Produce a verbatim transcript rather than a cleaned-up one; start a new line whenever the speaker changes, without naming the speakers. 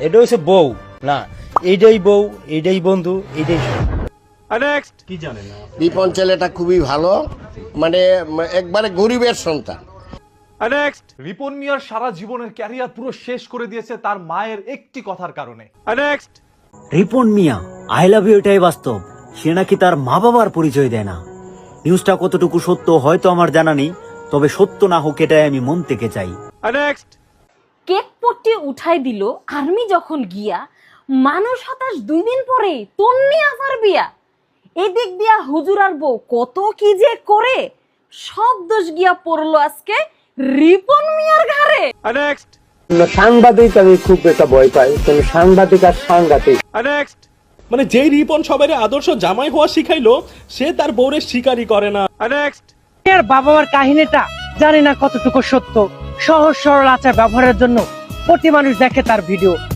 এটা হচ্ছে বউ না, এইটাই বউ, এইটাই বন্ধু, এইটাই
নেক্সট।
কি জানেন না?
রিপন ছেলেটা খুবই ভালো, মানে একবারে গরিবের সন্তান।
নেক্সট।
রিপন মিয়ার সারা জীবনের ক্যারিয়ার পুরো শেষ করে দিয়েছে তার মায়ের একটি কথার কারণে।
Next.
Ripon Mia I love you এটাই বাস্তব, সে নাকি তার মা বাবার পরিচয় দেয় না। নিউজটা কতটুকু সত্য হয়তো আমার জানা নেই, তবে সত্য না হোক এটাই আমি মন থেকে চাই।
নেক্সট।
কেক পট্টি উঠাই দিল আর্মি যখন গিয়া, মানুষ হতাশ দুই দিন পরে তন্নি আফার বিয়া। এদিক দিয়া হুজুর আর বউ কত কি যে করে, সব দোষ গিয়া পড়লো আজকে রিপন মিয়ার ঘাড়ে।
নেক্সট।
সাংবাদিক আমি খুব একটা ভয় পাই, কিন্তু সাংবাদিক আর সাংঘাতিক।
নেক্সট।
মানে যেই রিপন সবাই আদর্শ জামাই হওয়া শিখাইলো, সে তার বউরে স্বীকারই করে না।
নেক্সট।
এর বাবা মার কাহিনীটা জানি না কতটুকু সত্য। সহজ সরল আচার ব্যবহারের জন্য প্রতি মানুষ দেখে তার ভিডিও।